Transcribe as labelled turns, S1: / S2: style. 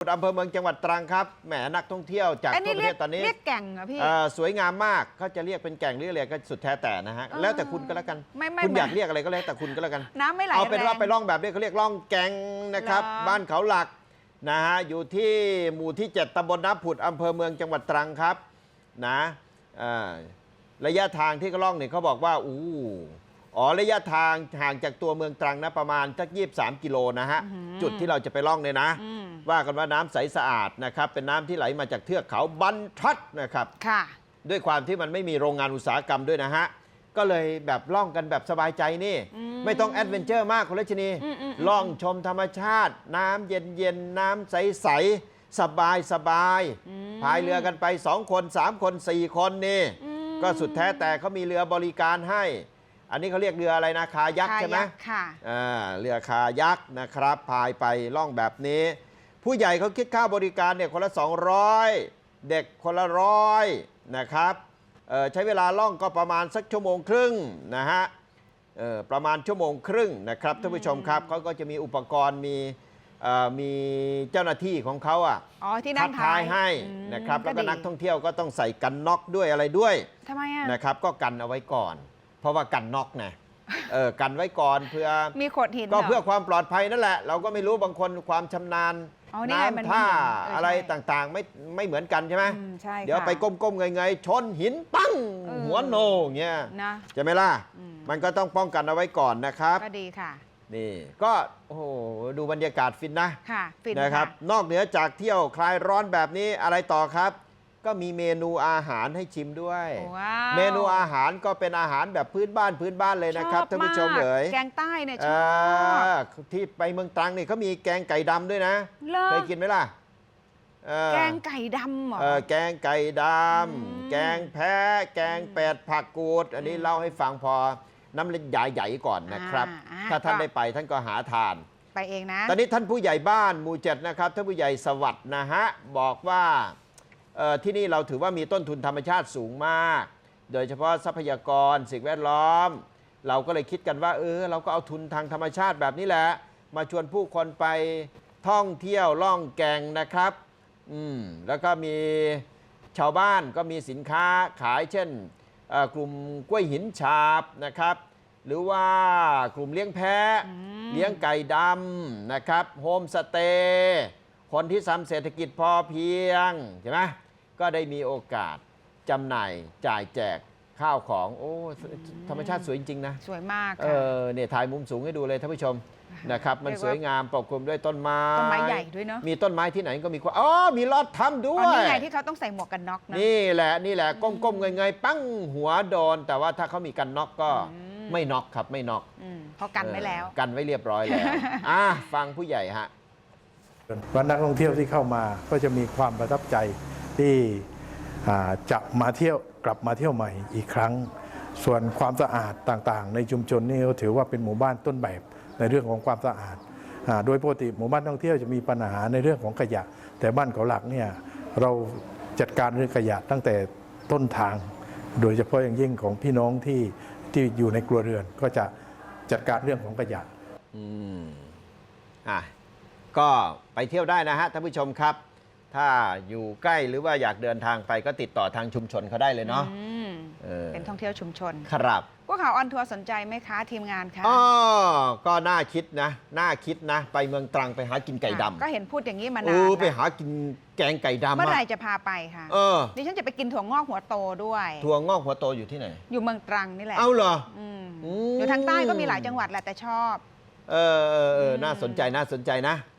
S1: อำเภอเมืองจังหวัดตรังครับแหมนักท่องเที่ยวจากทั่วประเทศตอนนี้
S2: เรียกแก่งเหรอพี่
S1: สวยงามมากเขาจะเรียกเป็นแก่งหรืออะไรก็สุดแท้แต่นะฮะแล้วแต่คุณก็แล้วกันคุณอยากเรียกอะไรก็แล้วแต่คุณก็แล้วกัน
S2: น้ำไม่ไหล
S1: เอาเป็นว่าไปล่องแบบนี้เขาเรียกล่องแก่งนะครับบ้านเขาหลักนะฮะอยู่ที่หมู่ที่ 7ตำบลน้ำผุดอำเภอเมืองจังหวัดตรังครับนะระยะทางที่เขาล่องเนี่ยเขาบอกว่าระยะทางห่างจากตัวเมืองตรังนะประมาณสัก23 กิโลนะฮะจุดที่เราจะไปล่องเนี่ยนะว่ากันว่าน้ำใสสะอาดนะครับเป็นน้ำที่ไหลมาจากเทือกเขาบรรทัดนะครับด้วยความที่มันไม่มีโรงงานอุตสาหกรรมด้วยนะฮะก็เลยแบบล่องกันแบบสบายใจนี่ไม่ต้องแอดเวนเจอร์มากคุณรัชนีล่องชมธรรมชาติน้ำเย็นๆน้ำใสๆสบายพายเรือกันไป2 คน3 คน4 คนนี่ก็สุดแท้แต่เขามีเรือบริการให้อันนี้เขาเรียกเรืออะไรนะคายักใช่ไหม
S2: ค่ะ
S1: เรือคายักนะครับพายไปล่องแบบนี้ผู้ใหญ่เขาคิดค่าบริการเนี่ยคนละ200เด็กคนละ100นะครับใช้เวลาล่องก็ประมาณสักชั่วโมงครึ่งนะฮะประมาณชั่วโมงครึ่งนะครับท่านผู้ชมครับเขาก็จะมีอุปกรณ์มีเจ้าหน้าที่ของเขา
S2: ที่นั่ง
S1: ท้ายให้นะครับแล้วก็นักท่องเที่ยวก็ต้องใส่กันน็อกด้วยอะไรด้วย
S2: ทำไม
S1: นะครับก็กันเอาไว้ก่อนเพราะว่ากันน็อกนะกันไว้ก่อนเพื่อ
S2: มีโขดหิน
S1: ก็เพื่อความปลอดภัยนั่นแหละเราก็ไม่รู้บางคนความชำนาญน้ำท่าอะไรต่างๆไม่เหมือนกันใช่ไหมเดี๋ยวไปก้มๆเงยๆชนหินปั้งหัวโนเงี้ยใช่ไหมล่ะมันก็ต้องป้องกันเอาไว้ก่อนนะครับ
S2: ก็ดีค่ะ
S1: นี่ก็โอ้โหดูบรรยากาศฟินนะ
S2: ค่ะฟิน
S1: นะครับนอกเหนือจากเที่ยวคลายร้อนแบบนี้อะไรต่อครับก็มีเมนูอาหารให้ชิมด้วยเมนูอาหารก็เป็นอาหารแบบพื้นบ้านเลยนะครับท่านผู้ชม
S2: แกงใต้เนี่ยช
S1: อบที่ไปเมืองตรังนี่เขามีแกงไก่ดำด้วยนะเคยกินไหมล่ะ
S2: แกงไก่ดำเหรอ
S1: แกงไก่ดำแกงแพะแกงเป็ดผักกูดอันนี้เล่าให้ฟังพอน้ำเล็กใหญ่ๆก่อนนะครับถ้าท่านได้ไปท่านก็หาทาน
S2: ไปเองนะ
S1: ตอนนี้ท่านผู้ใหญ่บ้านหมู่ 7นะครับท่านผู้ใหญ่สวัสดิ์นะฮะบอกว่าที่นี่เราถือว่ามีต้นทุนธรรมชาติสูงมากโดยเฉพาะทรัพยากรสิ่งแวดล้อมเราก็เลยคิดกันว่าเราก็เอาทุนทางธรรมชาติแบบนี้แหละมาชวนผู้คนไปท่องเที่ยวล่องแก่งนะครับแล้วก็มีชาวบ้านก็มีสินค้าขายเช่นกลุ่มกล้วยหินฉาบนะครับหรือว่ากลุ่มเลี้ยงแพะเลี้ยงไก่ดำนะครับโฮมสเตย์คนที่ทำเศรษฐกิจพอเพียงใช่ไหมก็ได้มีโอกาสจำหน่ายจ่ายแจกข้าวของธรรมชาติสวยจริงๆนะ
S2: สวยมาก
S1: เนี่ยถ่ายมุมสูงให้ดูเลยท่านผู้ชมนะครับมันสวยงามปกคลุมด้วยต้นไม้
S2: ใหญ่ด้วยเนาะ
S1: มีต้นไม้ที่ไหนก็มีความมีลอดถ้ำด้วย
S2: นี่ไงที่เขาต้องใส่หมวกกันน็อกนะ
S1: นี่แหละก้มๆเงยๆปั้งหัวโดนแต่ว่าถ้าเขามีกันน็อกก็ไม่น็อกครับไม่น็อก
S2: เพราะกันไว้แล้ว
S1: กันไว้เรียบร้อยแล้วฟังผู้ใหญ่ฮะ
S3: ว่านักท่องเที่ยวที่เข้ามาก็จะมีความประทับใจที่จะมาเที่ยวกลับมาเที่ยวใหม่อีกครั้งส่วนความสะอาดต่างๆในชุมชนนี่ก็ถือว่าเป็นหมู่บ้านต้นแบบในเรื่องของความสะอาดโดยปกติหมู่บ้านท่องเที่ยวจะมีปัญหาในเรื่องของขยะแต่บ้านเขาหลักเนี่ยเราจัดการเรื่องขยะตั้งแต่ต้นทางโดยเฉพาะอย่างยิ่งของพี่น้องที่อยู่ในครัวเรือนก็จะจัดการเรื่องของขยะ
S1: ก็ไปเที่ยวได้นะฮะท่านผู้ชมครับถ้าอยู่ใกล้หรือว่าอยากเดินทางไปก็ติดต่อทางชุมชนเขาได้เลยเนาะ
S2: เป็นท่องเที่ยวชุมชน
S1: ครับ
S2: พวกข่าวออนทัวร์สนใจไหมคะทีมงานคะ
S1: ก็น่าคิดนะไปเมืองตรังไปหากินไก่ดำ
S2: ก็เห็นพูดอย่างนี้มานาน
S1: ไปหากินแกงไก่ดำ
S2: เมื่อไหร่จะพาไปคะดิฉันจะไปกินถั่วงอกหัวโตด้วย
S1: ถั่วงอกหัวโตอยู่ที่ไหน
S2: อยู่เมืองตรังนี่แหละ
S1: เอาเหรอ
S2: อยู่ทางใต้ก็มีหลายจังหวัดแหละแต่ชอบ
S1: น่าสนใจนะ